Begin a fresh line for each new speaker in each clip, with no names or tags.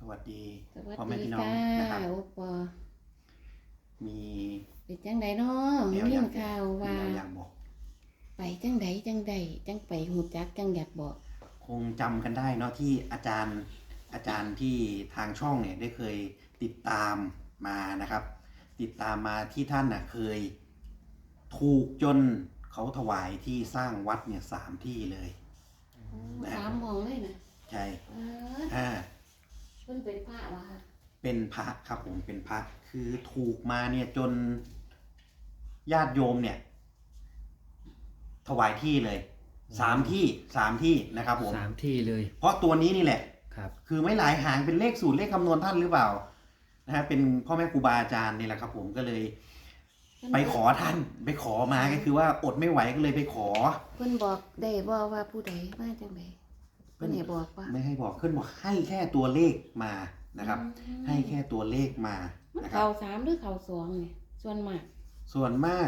วัสดี
สวัส
พ่อแม่
ดี
พี่น้อง
ค่ะ
นะครับ
โอปอ
มี
เป็นจังใดเนาะ
แน
มี
วอ
ยิ
ยาก
นข่าวว่า
แนวอยากบอก
ไปจังใดจังใดจังไปหูจักจังอยากบอก
คงจำกันได้เนาะที่อาจารย์ที่ทางช่องเนี่ยได้เคยติดตามมานะครับ ติดตามมาที่ท่านน่ะเคยถูกจนเขาถวายที่สร้างวัดเนี่ย3 ที่เลย
สามหมองเลยนะ
ใช่
เ
อ่า
เพิ่นเป็นพระวะค่ะ
เป็นพระครับผมเป็นพระคือถูกมาเนี่ยจนญาติโยมเนี่ยถวายที่เลย3 ที่นะครับผม
3 ที่เลย
เพราะตัวนี้นี่แหละ
ครับ
คือไม่หลายหางเป็นเลขสูตรเลขคำนวณท่านหรือเปล่านะฮะเป็นพ่อแม่ครูบาอาจารย์นี่แหละครับผมก็เลยไปขอท่านไปขอมาก็คือว่าอดไม่ไหวก็เลยไปขอ
เพิ่นบอกได้บ่ว่าผู้ใดมาจังใดเพิ่นให้บอกว่า
ไม่ให้บอกขึ้นบอกให้แค่ตัวเลขมานะครับ ให้แค่ตัวเลขมา
มัน
นะครั
เข่า
บ
3หรือเข่า2นี่ส่วนมาก
ส่วนมาก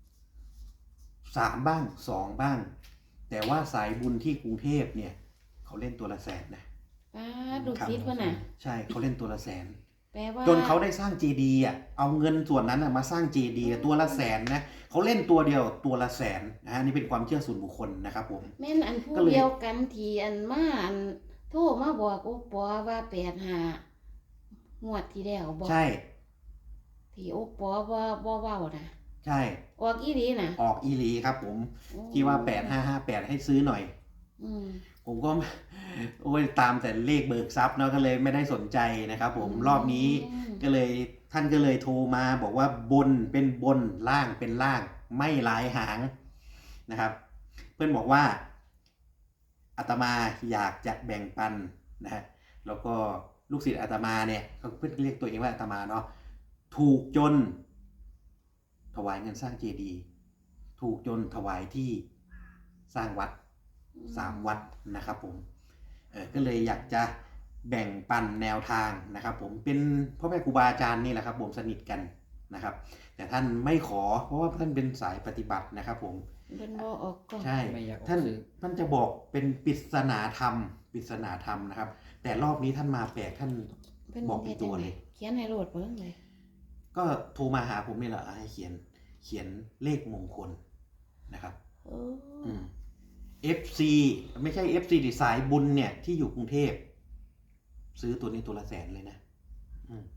3 บ้าง2 บ้าง แต่ว่าสายบุญที่กรุงเทพเนี่ยเขาเล่นตัวละแสนนะ
ป้าดูซิดเพิ่นน่ะ
ใช่เขาเล่นตัวละแสน
แปลว่า
จนเขาได้สร้างเจดีย์อ่ะเอาเงินส่วนนั้นมาสร้างเจดีย์ตัวละแสนนะเขาเล่นตัวเดียวตัวละแสนนะฮะนี่เป็นความเชื่อส่วนบุคคลนะครับผม
แม่นอันผู้
ก็เลย
เดียวกันที่อันมาอันโทรมาบอกโอปอว่า85งวดที่แล้วบอก
ใช่
ที่โอปอบ่เว้านะ
ใช่
ออกอีหลีนะ
ออกอีหลีครับผมที่ว่า8558ให้ซื้อหน่อย
อืม
ผมก็ โอ้ยตามแต่เลขเบิกทรัพย์เนาะก็เลยไม่ได้สนใจนะครับผมรอบนี้ก็เลยท่านก็เลยโทรมาบอกว่าบนเป็นบนล่างเป็นล่างไม่หลายหางนะครับ เพื่อนบอกว่าอาตมาอยากจะแบ่งปันนะฮะแล้วก็ลูกศิษย์อาตมาเนี่ยเขาเพื่อนเรียกตัวเองว่าอาตมาเนาะถูกจนถวายเงินสร้างเจดีย์ถูกจนถวายที่สร้างวัด3 วัดนะครับผมก็เลยอยากจะแบ่งปันแนวทางนะครับผมเป็นพ่อแม่ครูบาอาจารย์นี่แหละครับผมสนิทกันนะครับแต่ท่านไม่ขอเพราะว่าท่านเป็นสายปฏิบัตินะครับผม
เพิ่นบ่ออกก่อน
ใช่
ไม่อยากออก
ท่าน
สื่อ
ท่านจะบอกเป็นปริศนาธรรมนะครับ แต่รอบนี้ท่านมาแปลกท่าน
เพิ่น
บอกเป็นตัวเลย
เขียนให้โลดเบิ่งเลย
ก็โทรมาหาผมนี่แหละให้เขียนเลขมงคลนะครับ
โอ้
อืม FC ไม่ใช่ FC ดิสายบุญเนี่ยที่อยู่กรุงเทพซื้อตัวนี้ตัวละแสนเลยนะอืม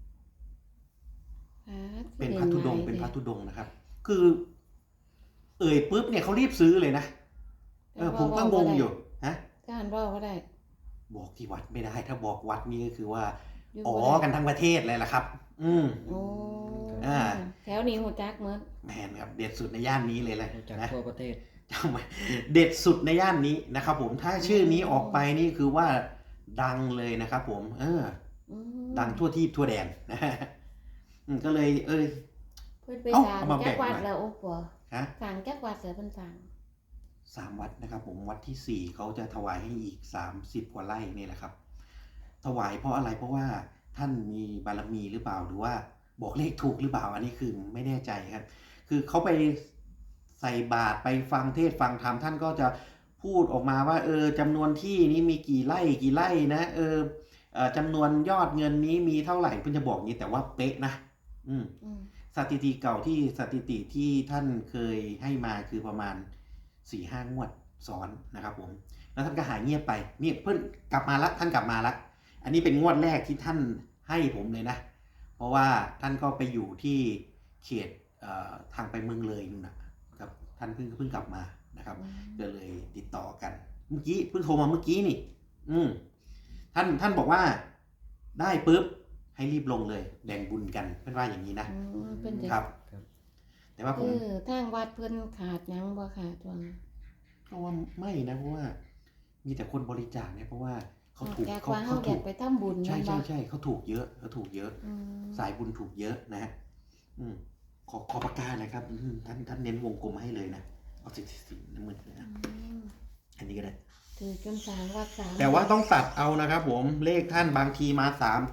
เป็นพัทธุดงค์เป็นพัทธุดงค์นะครับ คือเอ่ยปุ๊บเนี่ยเขารีบซื้อเลยนะผมก็งงอยู่ฮะ
การเว้าบ่ได้
บอกที่วัดไม่ได้ ถ้าบอกวัดนี่ก็คือว่า
อยู่
อ๋อ
บ่ได้
กันทั้งประเทศเลยล่ะครับ
โอ้
อ่า
แถวนี้ฮู้จักหมด
แมนครับเด็ดสุดในย่านนี้เลยแหละ
รู้จัก
นะ
ทั่วประเทศ
จำไว้เด็ดสุดในย่านนี้นะครับผมถ้าชื่อนี้ออกไปนี่คือว่าดังเลยนะครับผม
อืม
ดังทั่วที่ทั่วแดนนะฮะก็เลย
เพิ่นไป
เอ้า
สร้าง
เอามา
จักวัด
แบ่งหน่อย
แล้วโอ้ปอ
ฮะ
สร้างจักวัดแล้วเพิ่นสร้าง
3 วัดนะครับผมวัดที่ 4เขาจะถวายให้อีก30 กว่าไร่นี่แหละครับ ถวายเพราะอะไรเพราะว่าท่านมีบารมีหรือเปล่าหรือว่าบอกเลขถูกหรือเปล่าอันนี้คือไม่แน่ใจครับ คือเขาไปใส่บาตรไปฟังเทศน์ฟังธรรมท่านก็จะพูดออกมาว่าจำนวนที่นี้มีกี่ไร่นะจำนวนยอดเงินนี้มีเท่าไหร่เพิ่นจะบอกนี้แต่ว่าเป๊ะนะ
อืม
สถิติเก่าที่สถิติที่ท่านเคยให้มาคือประมาณ 4-5 งวดซ้อนนะครับผมแล้วท่านก็หายเงียบไปนี่เพิ่นกลับมาละท่านกลับมาละอันนี้เป็นงวดแรกที่ท่านให้ผมเลยนะเพราะว่าท่านก็ไปอยู่ที่เขตทางไปเมืองเลยนู่นนะครับท่านเพิ่งกลับมานะครับก็เลยติดต่อกันเมื่อกี้เพิ่งโทรมาเมื่อกี้นี่ท่านบอกว่าได้ปุ๊บให้รีบลงเลยแบ่งบุญกันเพื่อนว่าอย่างนี้นะ
เพิ่นจะ
ครับ แต่ว่าผม
ทางวัดเพิ่นขาดหยังบ่ขาดช่วงนั้น
เพราะว่าไม่นะเพราะว่ามีแต่คนบริจาคเนี่ยเพราะว่าเขาถูก
จาก
เขา
ว่าเฮา
เขา
อ
ถู
ยาก
ก
ไปทำบุญ
ใช่
แม่นบ่
ใช่เขาถูกเยอะ
อืม
สายบุญถูกเยอะนะฮะขอปากกาหนะครับท่านเน้นวงกลมให้เลยนะเอาสีน้ำเงินเลยนะอันนี้ก็ได้
ถือจนสร้างวัดสาม
แต่ว่าต้องตัดเอานะครับผมเลขท่านบางทีมา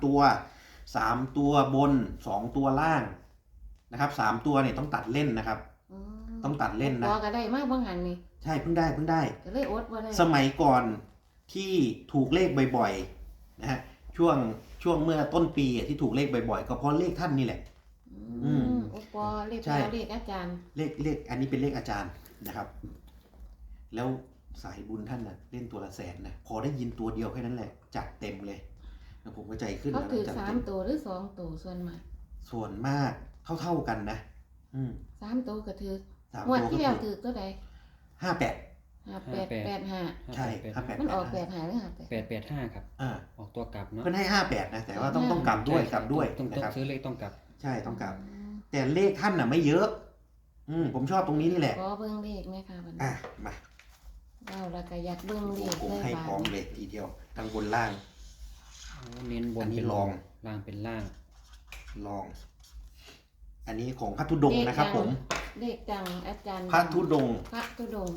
3 ตัวบน2 ตัวล่างนะครับ3 ตัวเนี่ยต้องตัดเล่นนะครับ ต้องตัดเล่นนะ
พอก็ได้มาบางหันนี่
ใช่เพิ่งได้
ก็เลยอดบ่ได้
สมัยก่อนที่ถูกเลขบ่อยๆนะฮะช่วงช่วงเมื่อต้นปีที่ถูกเลขบ่อยๆก็เพราะเลขท่านนี่แหละ อืม
โอปอเลข
ใช่
เลขอาจารย์
เลขอันนี้เป็นเลขอาจารย์นะครับ แล้วสายบุญท่านน่ะเล่นตัวละแสนนะพอได้ยินตัวเดียวแค่นั้นแหละจัดเต็มเลยแล้วผมก็ใจขึ้น
เขา
นะ
ถือ
จัด
สา
เต็
ม
ม
ตัวหรือสองตัวส่วนมาก
ส่วนมากเท่ากันนะ
สามตัวก็ถือ
สาม
งวด
ตัวก็
ที่แล้ว
คือ
ถือตัวใด
58
58
ใช่ 58
มันออก85หรือ
885ครับ
อ่า
ออกตัวกลับเนาะ
เพิ่นให้58นะแต่ว่าต้องกลับด้วยกลับด้วย
ต้อง
นะครับ
ซื้อเลขต้องกลับ
ใช่ต้องกลับ แต่เลขท่านน่ะไม่เยอะ ผมชอบตรงนี้นี่แหละ
ขอเบิ่งเลขไหมคะบัดนี้
อ่ะมา
เราแล้วก็อยากเบิ่งเลข
ผม
เลย
ให้
บา
พร้อม
ด
เลยทีเดียวทั้งบนล่าง
เน้นบน
อันนี้
เป็น
ลอง
ล่างเป็นล่าง
ลอง อันนี้ของพระธุดงค์นะครับ ผม
เลขดังอาจารย์
พระธุดงค์
พระธุดงค์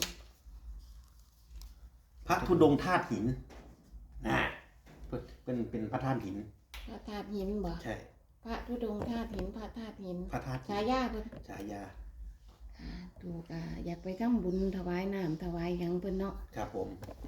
พระธุดงค์ธาตุหินเป็นพระธาตุหิน
พระธาตุหินบ่
ใช่
พระธุดงค์ธาตุหินพระธาตุหิน
พระธาตุหิน
ฉายาเพิ่น
ฉายา
ถูกอยากไปทำบุญถวายน้ำถวายหยังเพิ่นเนาะ
ครับผม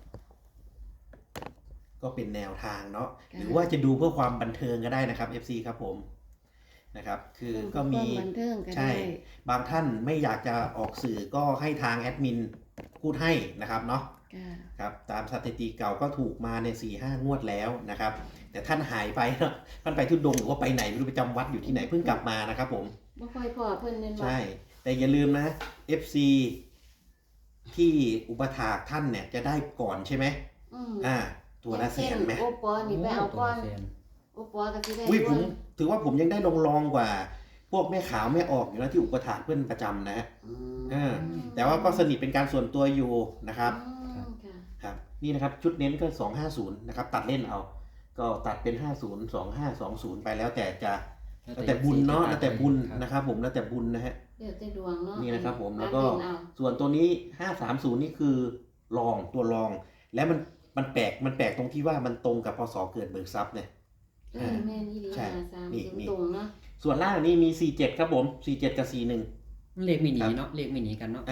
ก็เป็นแนวทางเนาะ
ค่ะ
หรือว่าจะดูเพื่อความบันเทิงก็ได้นะครับ FC ครับผมนะครับ คือก็มี
เพิ่บันเทิงก็
ใช่
ได้
บางท่านไม่อยากจะออกสื่อก็ให้ทางแอดมินพูดให้นะครับเนาะ
ค่ะ
ครับตามสถิติเก่าก็ถูกมาใน 4-5 งวดแล้วนะครับ แต่ท่านหายไปเนาะท่านไปทุดงค์หรือว่าไปไหนไม่รู้ไปจำวัดอยู่ที่ไหนเพิ่งกลับมานะครับผม
บ่ค่อยพอเพิ่นเน้นบ่
ใช่ แต่อย่าลืมนะ FC ที่อุปถากท่านเนี่ยจะได้ก่อนใช่ไหม
อืม
ตัวละแสนไหม
โอปอนี่ไปเอาก่อน
ตัวละแสน
โอปอก็สิได้
อุ้ยผม
ด้วย
ถือว่าผมยังได้ลองกว่า พวกแม่ขาวแม่ออกอยู่นะที่อุปถากเพื่อนประจำนะฮะ แต่ว่าก็สนิทเป็นการส่วนตัวอยู่นะครับ
ค่ะ
ครับนี่นะครับชุดเน้นก็250นะครับตัดเล่นเอา ก็ตัดเป็น 50 2520 ไปแล้วแต่จะแล้วแต่บุญเนาะแล้วแต่บุญนะครับผมแล้วแต่บุญนะฮะ
เดี๋ยวจะดวงเนาะ
นี่นะครับผมแล้วก็
ตัดเนเอา
ส่วนตัวนี้ 530 นี่คือรองตัวรอง และมันแปลกตรงที่ว่ามันตรงกับพศเกิดเบิกทรัพย์เนี่ย
แม่นี่ดี
ใช่
53
นี่
ตรงเนาะ
ส่วนล่างนี่มี 47 ครับผม 47 กับ 41
เลขไม่หนีเนาะเลขไม่หนีกันเนาะ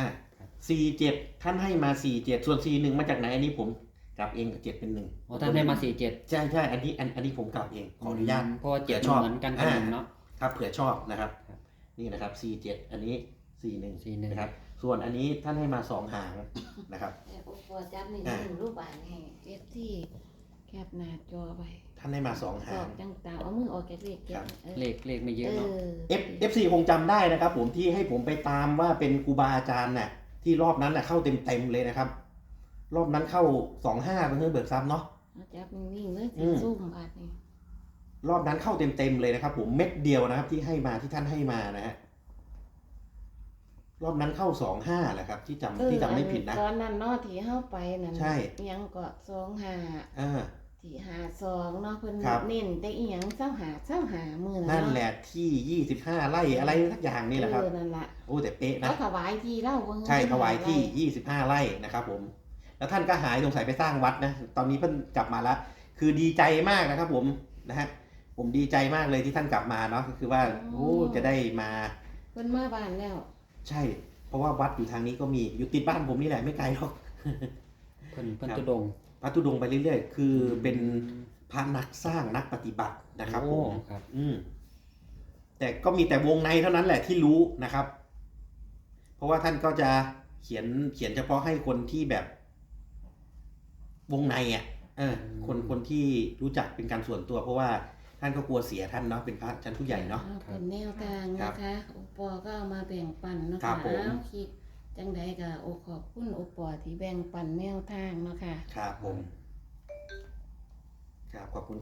47 ท่านให้มา 47 ส่วน 41 มาจากไหนอันนี้ผมกลับเองกับ7เป็น1
อ๋อท่านได้มา47
ใช่อันนี้ผมกลับเองขออนุญาต
เพราะว่าเจ็ด
ชอบ
เหมือนกันกับหนึ่งเนาะ
ครับเผื่อชอบนะครับ
ครับ
นี่นะครับ 47 อันนี้ 41
41
นะครับส่วนอันนี้ท่านให้มา 2 หางนะครับ
แต่โอปอจับนี่
อ่า
รูปบานให้เอฟที่แคปหน้าจอไว้
ท่านให้มา 2
ส
หา
อง บต่างๆเอามือออกจากเลขเก็
ครับ บ
เลขไม่เยอะเนาะ
FC คงจำได้นะครับผมที่ให้ผมไปตามว่าเป็นครูบาอาจารย์น่ะที่รอบนั้นน่ะเข้าเต็มเลยนะครับ รอบนั้นเข้า 25เป็นเพื่อเบิกทรัพย์เนาะ
เอาจับนิ่งๆเลย
อืม
ซุ่มบาดนี่
รอบนั้นเข้าเต็มเลยนะครับผมเม็ดเดียวนะครับที่ให้มาที่ท่านให้มานะฮะรอบนั้นเข้า 25แหละครับที่จำไม่ผิดนะ
ตอนนั้นเนาะที่เฮาไปนั่น
ใช่
อิหยังก็25
อ่า
ที่52เนาะเพิ่น
ครับ
เน้นแต่อีหยัง25มื้อ
นั่นแหละที่ 25 ไร่อะไรสักอย่างนี่แหละครับ
นั่นล่ะ
โอ้แต่เป๊ะนะ
เขาถวายที่เล่าบ่
ใช่ถวายที่ 25 ไร่นะครับผม แล้วท่านก็หายสงสัยไปสร้างวัดนะ ตอนนี้เพิ่นกลับมาแล้ว คือดีใจมากนะครับผมนะฮะ ผมดีใจมากเลยที่ท่านกลับมาเนาะก็คือว่าโอ้จะได้มา
เพิ่นมาบ้านแล้ว
ใช่ เพราะว่าวัดอยู่ทางนี้ก็มีอยู่ติดบ้านผมนี่แหละไม่ไกลหรอก
เพิ่น
ครับ
ตุดงค์
พระธุดงค์ไปเรื่อยๆ คือเป็นพระนักสร้างนักปฏิบัตินะครับผม
โอ้ครับ
แต่ก็มีแต่วงในเท่านั้นแหละที่รู้นะครับ เพราะว่าท่านก็จะเขียนเฉพาะให้คนที่แบบ วงในอ่ะคนที่รู้จักเป็นการส่วนตัว เพราะว่าท่านก็กลัวเสียท่านเนาะเป็นพระชั้นผู้ใหญ่เนาะ
เป็นแนวทางนะคะโอปอก็เอามาแบ่งปันเนาะ
ครั
คะ
บผม
เอาคิดจังใดก็โอขอบคุณโอปอที่แบ่งปันแนวทางเนาะค่ะ
ครับผม ครับขอบคุณ